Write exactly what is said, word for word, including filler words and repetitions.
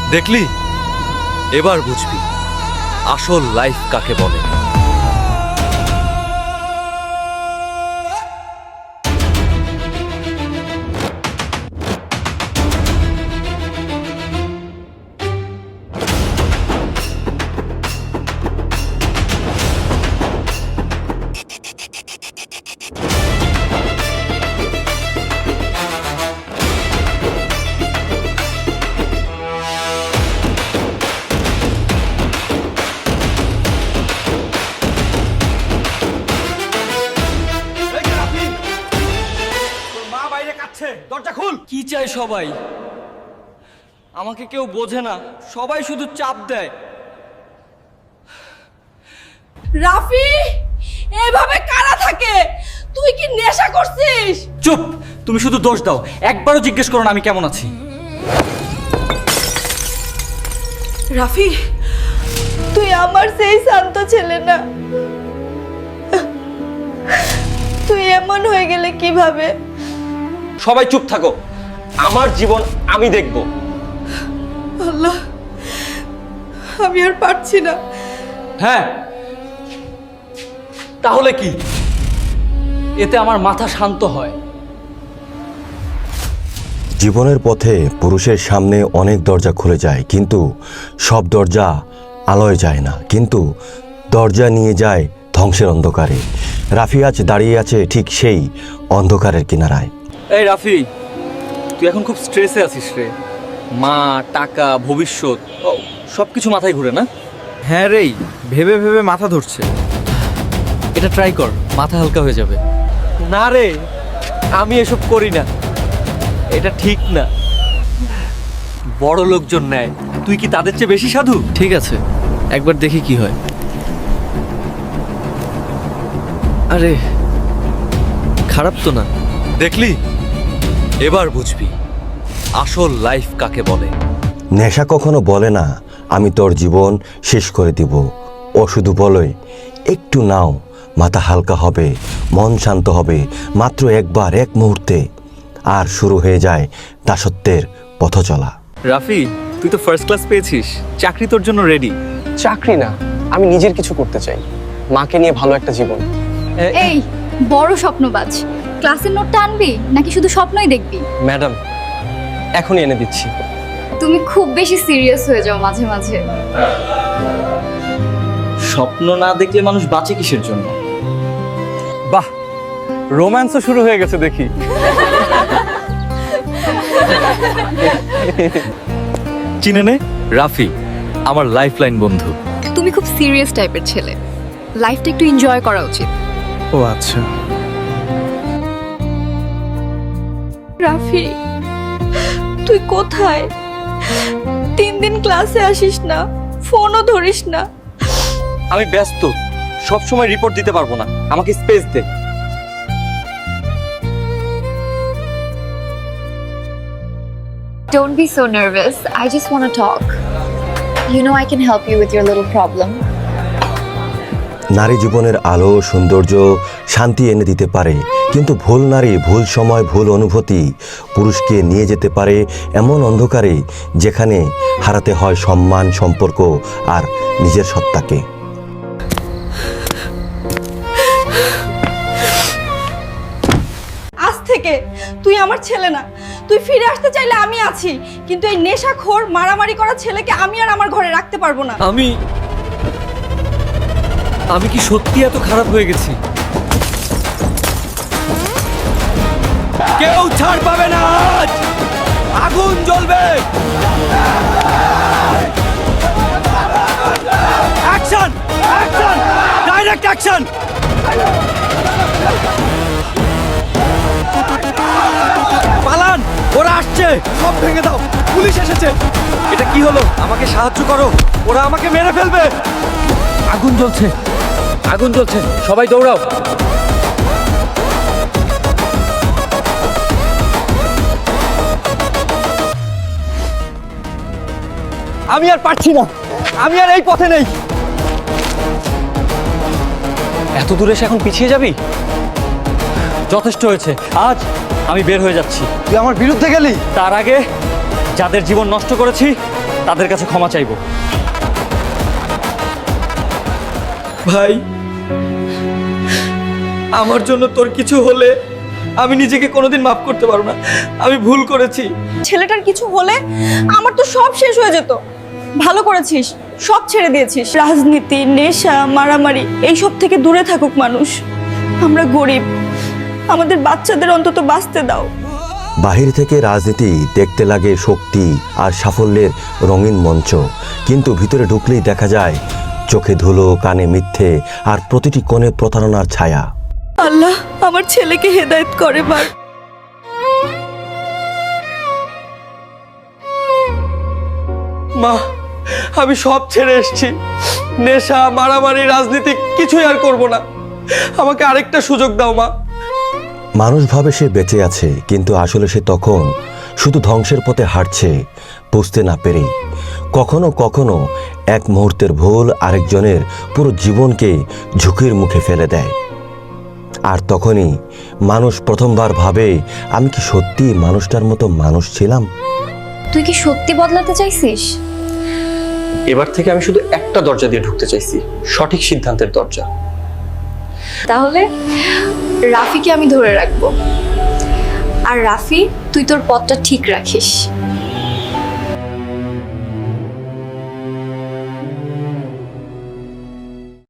দেখলি, এবার বুঝবি আসল লাইফ কাকে বলে। দরজা খুল। কি চাই সবাই? আমাকে কেউ বোঝে না, সবাই শুধু চাপ দেয়। রাফি, এভাবে কারা থাকে? তুই কি নেশা করছিস? চুপ! তুমি শুধু দোষ দাও, একবারও জিজ্ঞেস করো না আমি কেমন আছি। রাফি, তুই আমার সেই শান্ত ছেলে না। তুই এমন হয়ে গেলে কিভাবে? সবাই চুপ থাকো, আমার জীবন আমি দেখব। আল্লাহ, আমি আর পারছি না। হ্যাঁ, তাহলে কি? এতে আমার মাথা শান্ত হয়। জীবনের পথে পুরুষের সামনে অনেক দরজা খুলে যায়, কিন্তু সব দরজা আলোয় যায় না, কিন্তু দরজা নিয়ে যায় ধ্বংসের অন্ধকারে। রাফি আজ দাঁড়িয়ে আছে ঠিক সেই অন্ধকারের কিনারায়। এই রাফি, তুই এখন খুব স্ট্রেসে আছিস রে। মা, টাকা, ভবিষ্যৎ সব কিছু মাথায় ঘুরে না? হ্যাঁ রে, ভেবে ভেবে মাথা ধরছে। এটা ট্রাই কর, মাথা হালকা হয়ে যাবে। না রে, আমি এসব করি না, এটা ঠিক না। বড় লোকজন নেয়, তুই কি তাদের চেয়ে বেশি সাধু? ঠিক আছে, একবার দেখি কি হয়। আরে খারাপ তো না। দেখলি, এবার বুঝবি আসল লাইফ কাকে বলে। নেশা কখনো বলে না আমি তোর জীবন শেষ করে দিব, ও শুধু বলে একটু নাও, মাথা হালকা হবে, মন শান্ত হবে, মাত্র একবার, এক মুহূর্তে। আর শুরু হয়ে যায় দাসত্বের পথ চলা। রাফি, তুই তো ফার্স্ট ক্লাস পেয়েছিস, চাকরি তোর জন্য রেডি। চাকরি না, আমি নিজের কিছু করতে চাই, মাকে নিয়ে ভালো একটা জীবন। এই বড় স্বপ্নবাজ, ক্লাসের নোটটা আনবি নাকি শুধু স্বপ্নই দেখবি? ম্যাডাম, এখনই এনে দিচ্ছি। তুমি খুব বেশি সিরিয়াস হয়ে যাও মাঝে মাঝে। স্বপ্ন না দেখলে মানুষ বাঁচে কিসের জন্য? বাহ, রোম্যান্সও শুরু হয়ে গেছে দেখি। চিনে নে, রাফি আমার লাইফলাইন বন্ধু। তুমি খুব সিরিয়াস টাইপের ছেলে, লাইফটা একটু এনজয় করা উচিত। ও আচ্ছা। রাফি, তুই কোথায়? তিন দিন ক্লাসে আসিস না, ফোনও ধরিস না। আমি ব্যস্ত, সব সময় রিপোর্ট দিতে পারবো না, আমাকে স্পেস দে। Don't be so nervous. I just want to talk. You know I can help you with your little problem. নারী জীবনের আলো, সৌন্দর্য, শান্তি এনে দিতে পারে, কিন্তু ভুল নারী, ভুল সময়, ভুল অনুভূতি পুরুষকে নিয়ে যেতে পারে এমন অন্ধকারে যেখানে হারাতে হয় সম্মান, সম্পর্ক আর নিজের সত্তাকে। আজ থেকে তুই আমার ছেলে না। তুই ফিরে আসতে চাইলে আমি আছি, কিন্তু এই নেশাখোর, মারামারি করা ছেলেকে আমি আর আমার ঘরে রাখতে পারবো না। আমি আমি কি সত্যি এত খারাপ হয়ে গেছি? কেউ ছাড় পাবে না, আজ আগুন জ্বলবে। Action, action, direct action. পালান, ওরা আসছে, সব ভেঙে দাও, পুলিশ এসেছে। এটা কি হলো? আমাকে সাহায্য করো, ওরা আমাকে মেরে ফেলবে। আগুন জ্বলছে, আগুন জ্বলছে, সবাই দৌড়াও। আমি আর পারছি না, আমি আর এই পথে নেই। এত দূরে এসে এখন পিছিয়ে যাবি? যথেষ্ট হয়েছে, আজ আমি বের হয়ে যাচ্ছি। তুই আমার বিরুদ্ধে গেলি? তার আগে যাদের জীবন নষ্ট করেছি তাদের কাছে ক্ষমা চাইবো। ভাই, আমার জন্য তোর কিছু হলে আমি নিজেকে কোনোদিন মাফ করতে পারবো না। আমি ভুল করেছি। ছেলেটার কিছু হলে আমার তো সব শেষ হয়ে যেত। ভালো করেছিস, সব ছেড়ে দিয়েছিস। রাজনীতি, নেশা, মারামারি এইসব থেকে দূরে থাকুক মানুষ। আমরা গরিব, আমাদের বাচ্চাদের অন্তত বাঁচতে দাও। বাহির থেকে রাজনীতি দেখতে লাগে শক্তি আর সাফল্যের রঙিন মঞ্চ, কিন্তু ভিতরে ঢুকলেই দেখা যায় চোখে ধুলো, কানে মিথ্যে, আর প্রতিটি কোণে প্রতারণার ছায়া। আল্লাহ আমার ছেলেকে হেদায়েত করে বার। মা, আমি সব ছেড়ে এসেছি। নেশা, মারামারি, রাজনীতি কিছুই আর করব না। আমাকে আরেকটা সুযোগ দাও মা। মানুষ ভাবে সে বেঁচে আছে, কিন্তু আসলে সে তখন শুধু ধ্বংসের পথে হাঁটছে, বুঝতে না পেরেই। কখনো কখনো এক মুহূর্তের ভুল আরেকজনের পুরো জীবনকে ঝুঁকির মুখে ফেলে দেয়। আর তখনই মানুষ প্রথমবার ভাবে, আমি কি সত্যি মানুষটার মতো মানুষ ছিলাম? তুই কি সত্যি বদলাতে চাইছিস? এবার থেকে আমি শুধু একটা দরজা দিয়ে ঢুকতে চাইছি, সঠিক সিদ্ধান্তের দরজা। তাহলে রাফিকে আমি ধরে রাখবো, আর রাফি তুই তোর পথটা ঠিক রাখিস।